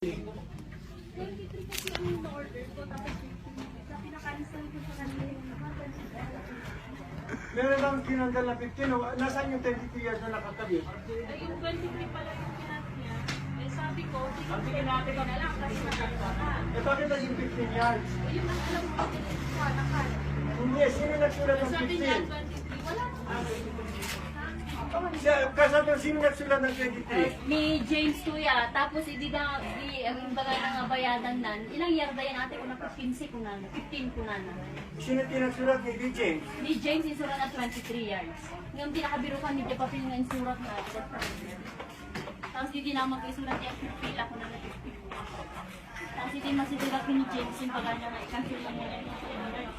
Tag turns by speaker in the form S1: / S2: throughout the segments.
S1: 23 kasi ang order ko, tapos 15. Sa pinakansel ko sa kanila yung
S2: Meron lang tinanggal na 15. O, nasaan yung 23 years na nakatabi?
S1: ay, yung 23 pala yung pinat niya. Eh, sabi ko, sige natin na lang kasi magkakita ka.
S2: Eh, bakit naging 15 yards?
S1: Eh, yung alam mo, nakal.
S2: Hindi, sino nagsulat ng
S1: Sabi niya,
S2: 15?
S1: 23. Wala ko.
S2: Kasabi, sino nagsulat ng 23?
S3: Ni James Kuya, tapos ang baga nga bayadan nan, ilang yarda yan ate ko na 15 ko na, 15 ko na.
S2: Sino tinagsulat ni DJ?
S3: Ni James insurat na 23 yards. Ngayon pinakabiro ka ni Papil nga insurat na. Tapos hindi na mag-isurat niya, pila ko na 50. Tapos hindi masisurat ni James yung baga niya nga, i-cancel lang niya yung 15 yards.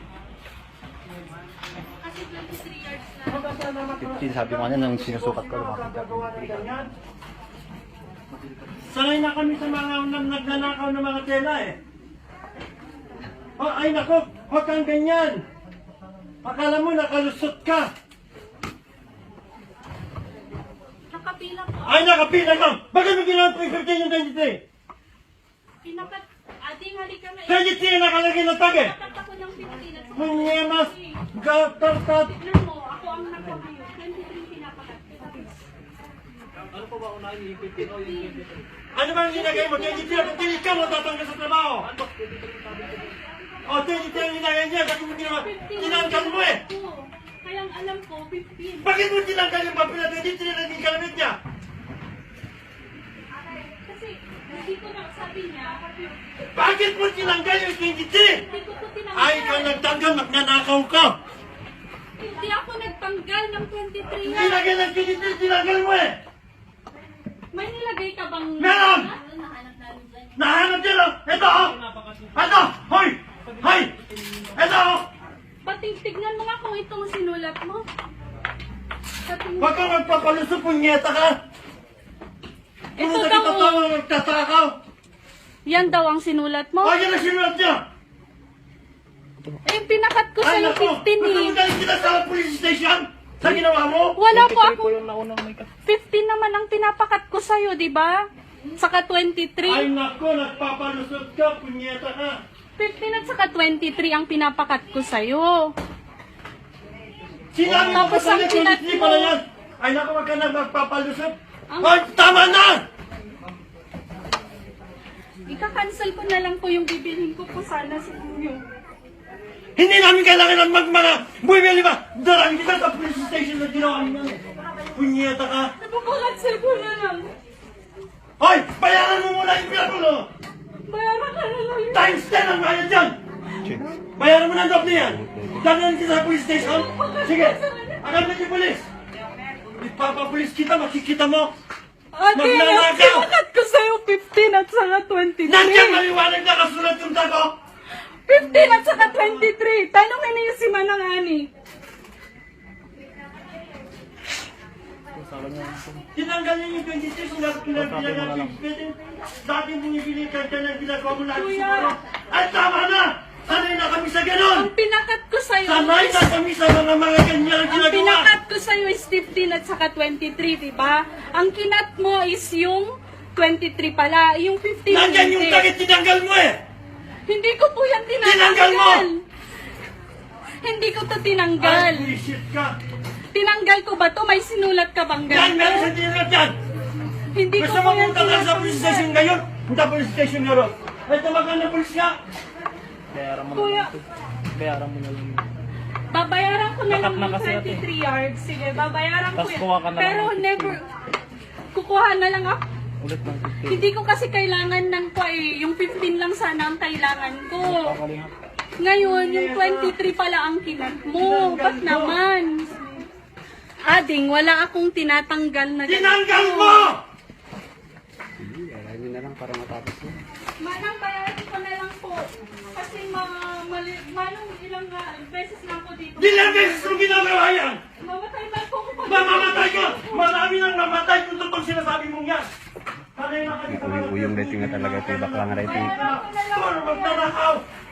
S1: Kasi 23 yards na.
S4: 15 sabi ko kanina nung sinusukat ko lumaki.
S2: Sanay na kami sa mga nagnanakaw ng mga tela eh. Oh, ay nako, huwag kang ganyan. Akala mo nakalusot ka.
S1: Nakapila po.
S2: Ay nakapila ka. Bakit mo ginawa po yung 15 yung 23?
S1: Pinakat, ating halika na.
S2: 23 nakalagay ng tag eh.
S1: Pinakat ako ng 15 at
S2: Munyemas, gatartat.
S1: tignan mo, ako ang nagpamayo. 23 pinapakat.
S2: Ano ba ang ginagay mo? 23 ang tinig ka mo tatanggal sa trabaho. O, 23 ang ginagay niya. Bakit mo ginawa? Tinanggal mo eh.
S1: Oo. Kaya ang alam ko, 15.
S2: Bakit mo tinanggal yung papel na 23 na hindi kalamit niya?
S1: Kasi, hindi ko na, sabi niya,
S2: Bakit mo tinanggal yung 23?
S1: hindi ko to tinanggal.
S2: Ay, ikaw nagtanggal, magnanakaw ka.
S1: Hindi ako nagtanggal ng 23 yan.
S2: Tinanggal ng 23, tinanggal mo eh.
S1: May nilagay ka bang...
S2: Meron!
S3: Nahanap namin dyan.
S2: Nahanap din oh. Ito oh. Ito. Hoy. Hoy. Ito oh.
S1: Pati tignan mo nga kung itong sinulat mo. Sa tingin-
S2: Huwag kang magpapalusot, punyeta ka.
S1: Ito
S2: Kung
S1: daw,
S2: nakita tawa, magtatakaw.
S1: Yan daw ang sinulat mo.
S2: O, yan ang sinulat niya.
S1: Eh, pinakat ko
S2: Ay,
S1: sa'yo
S2: naku.
S1: 15
S2: Gusto mo
S1: eh.
S2: galing kita sa police station? Sa ginawa mo?
S1: Wala po ako.
S4: yung naunang may
S1: 15 naman ang pinapakat ko sa'yo, di ba? Saka 23.
S2: Ay, naku, nagpapalusot ka, punyeta ka.
S1: 15 at saka 23 ang pinapakat ko sa'yo.
S2: Sinabi mo
S1: Tapos
S2: pa
S1: ang
S2: sa
S1: kinat
S2: police
S1: mo.
S2: pala yan. Ay, naku, wag ka na magpapalusot.
S1: Ang-
S2: Ay, tama na!
S1: Ika-cancel ko na lang po yung bibilhin ko po sana sa inyo.
S2: Hindi namin kailangan ng mga buwibili ba? Darang kita sa police station na ginawa niyo. Punyeta ka.
S1: Napapakancel ko na lang.
S2: Hoy, bayaran mo muna yung pinapulo.
S1: Bayaran ka na lang yun.
S2: Times 10 ang bayad dyan. Bayaran mo ng doble yan. Dadalhin kita sa police station. Sige, agad na yung police. Ipapapulis kita, makikita mo.
S1: Ate,
S2: Magnanakaw!
S1: pinakat ko sa'yo 15 at saka 23.
S2: Nandiyan maliwanag na kasulat yung tago.
S1: 15 at saka 23. Tanongin niyo si Manang Ani.
S2: Tinanggal niyo yung 23 kung dapat pinagbilang dati binibili ka dyan ang ginagawa mo lagi
S1: Kuya.
S2: siguro. Ay, tama na! Sanay na kami sa ganon!
S1: Ang pinakat ko sa'yo
S2: Sanay na kami sa mga ganyan ang
S1: ang
S2: ginagawa!
S1: pinakat ko sa'yo is 15 at saka 23, di ba? Ang kinat mo is yung 23 pala. Yung 15
S2: Nandiyan yung
S1: hindi.
S2: takit, tinanggal mo eh!
S1: Hindi ko po yan tinanggal.
S2: Tinanggal mo!
S1: Hindi ko to
S2: Ay,
S1: tinanggal.
S2: bullshit ka!
S1: Tinanggal ko ba to? May sinulat ka bang
S2: Yan, meron sa
S1: ganito?
S2: tinanggal dyan!
S1: Hindi ko
S2: Gusto
S1: po
S2: mo
S1: yan
S2: punta ka sa police station
S1: tinanggal.
S2: ngayon? Punta police station ngayon. Ay, tawagan ng police nga!
S4: Bayaran mo na
S1: Kuya.
S4: lang ito. Bayaran mo na lang yun.
S1: Babayaran ko na lang
S4: Takat na
S1: yung
S4: kasi ate.
S1: 23 yards. Sige, babayaran ko
S4: Tas
S1: yan.
S4: kuha ka na
S1: Pero
S4: lang ng 15.
S1: never, kukuha na lang ako.
S4: Ulit ng 15.
S1: Hindi ko kasi kailangan ng yung 15 lang sana ang kailangan ko.
S4: Kakalingap.
S1: Ngayon, yung 23 pala ang kinat mo. Ba't naman? Ading, wala akong tinatanggal na
S2: Tinanggal mo!
S4: Bayaran na lang para matapos yun.
S1: Manang bayaran ko na lang po. Kasi manong ilang beses lang po dito.
S2: Ilang beses mo ginagawa yan?
S1: Mamatay ba po ako?
S2: Mamamatay ka! Marami nang namatay kung totoo sinasabi mong yan! Sanay na kami sa mga
S4: Uyong rating na talaga ito. Bakla nga rating.
S2: Puro magnanakaw!